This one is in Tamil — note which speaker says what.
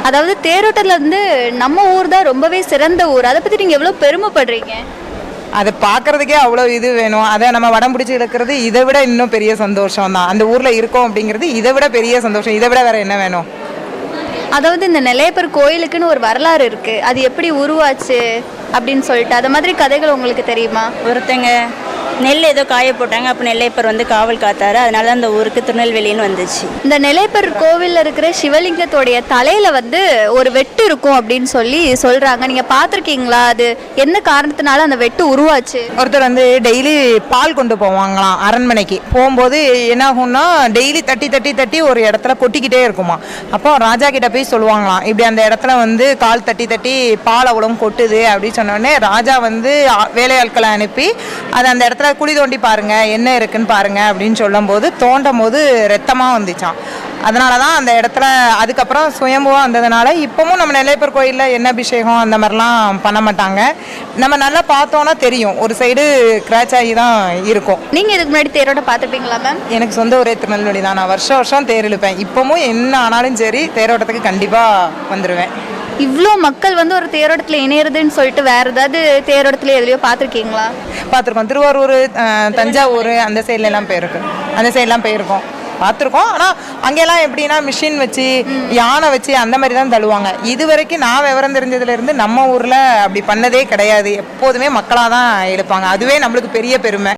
Speaker 1: அதாவது தேரோட்டத்தில் வந்து நம்ம ஊர் தான் ரொம்பவே சிறந்த ஊர். அதை பற்றி நீங்கள் எவ்வளோ பெருமைப்படுறீங்க?
Speaker 2: அதை பார்க்கறதுக்கே அவ்வளோ இது வேணும். அதை நம்ம வடம் பிடிச்சி இழுக்கிறது இதை விட இன்னும் பெரிய சந்தோஷம் தான். அந்த ஊரில் இருக்கோம் அப்படிங்கிறது இதை விட பெரிய சந்தோஷம். இதை விட வேற என்ன வேணும்?
Speaker 1: அதாவது இந்த நெல்லையப்பர் கோயிலுக்குன்னு ஒரு வரலாறு இருக்குது. அது எப்படி உருவாச்சு அப்படின்னு சொல்லிட்டு அது மாதிரி கதைகள் உங்களுக்கு தெரியுமா?
Speaker 3: ஒருத்தங்க நெல் ஏதோ காய போட்டாங்க, அப்போ நெல்லையப்பர் வந்து காவல் காத்தாரு. அதனால தான் அந்த ஊருக்கு திருநெல்வேலின்னு வந்துச்சு.
Speaker 1: இந்த நெல்லையப்பர் கோவிலில் இருக்கிற சிவலிங்கத்தோடைய தலையில் வந்து ஒரு வெட்டு இருக்கும் அப்படின்னு சொல்லி சொல்கிறாங்க. நீங்கள் பார்த்துருக்கீங்களா? அது என்ன காரணத்தினால அந்த வெட்டு உருவாச்சு?
Speaker 2: ஒருத்தர் வந்து டெய்லி பால் கொண்டு போவாங்களாம் அரண்மனைக்கு. போகும்போது என்ன ஆகும்னா டெய்லி தட்டி தட்டி தட்டி ஒரு இடத்துல கொட்டிக்கிட்டே இருக்குமா. அப்போ ராஜா கிட்ட போய் சொல்லுவாங்களாம், இப்படி அந்த இடத்துல வந்து கால் தட்டி தட்டி பால் அவ்வளோ கொட்டுது அப்படின்னு சொன்னோடனே ராஜா வந்து வேலையாட்களை அனுப்பி அதை அந்த இடத்துல குழி தோண்டி பாருங்க என்ன இருக்குன்னு பாருங்க அப்படின்னு சொல்லும் போது தோண்டும் போது ரத்தமாக வந்துச்சான். அதனால தான் அந்த இடத்துல அதுக்கப்புறம் சுயம்புவாக வந்ததுனால இப்போவும் நம்ம நெல்லையப்பர் கோயிலில் என்ன அபிஷேகம் அந்த மாதிரிலாம் பண்ண மாட்டாங்க. நம்ம நல்லா பார்த்தோன்னா தெரியும், ஒரு சைடு கிராச் ஆகி தான் இருக்கும்.
Speaker 1: நீங்கள் இதுக்கு முன்னாடி தேரோட்டம் பார்த்துருப்பீங்களா மேம்?
Speaker 2: எனக்கு சொந்த ஒரே திருநெல்வேலி தான். நான் வருஷம் வருஷம் தேர் இழுப்பேன். இப்போவும் என்ன ஆனாலும் சரி தேரோட்டத்துக்கு கண்டிப்பாக வந்துடுவேன்.
Speaker 1: இவ்வளோ மக்கள் வந்து ஒரு தேரோட்டத்தில் இணையிறதுன்னு சொல்லிட்டு வேறு ஏதாவது தேரோட்டத்தில் எதுலையோ பார்த்துருக்கீங்களா?
Speaker 2: பார்த்துருக்கோம். திருவாரூர், தஞ்சாவூர் அந்த சைட்லலாம் போயிருக்கோம். அந்த சைட்லாம் போயிருக்கோம், பார்த்துருக்கோம். ஆனால் அங்கெல்லாம் எப்படின்னா மிஷின் வச்சு யானை வச்சு அந்த மாதிரி தான் தள்ளுவாங்க. இது வரைக்கும் நான் விவரம் தெரிஞ்சதுலேருந்து நம்ம ஊரில் அப்படி பண்ணதே கிடையாது. எப்போதுமே மக்களாக தான் எடுப்பாங்க. அதுவே நம்மளுக்கு பெரிய பெருமை.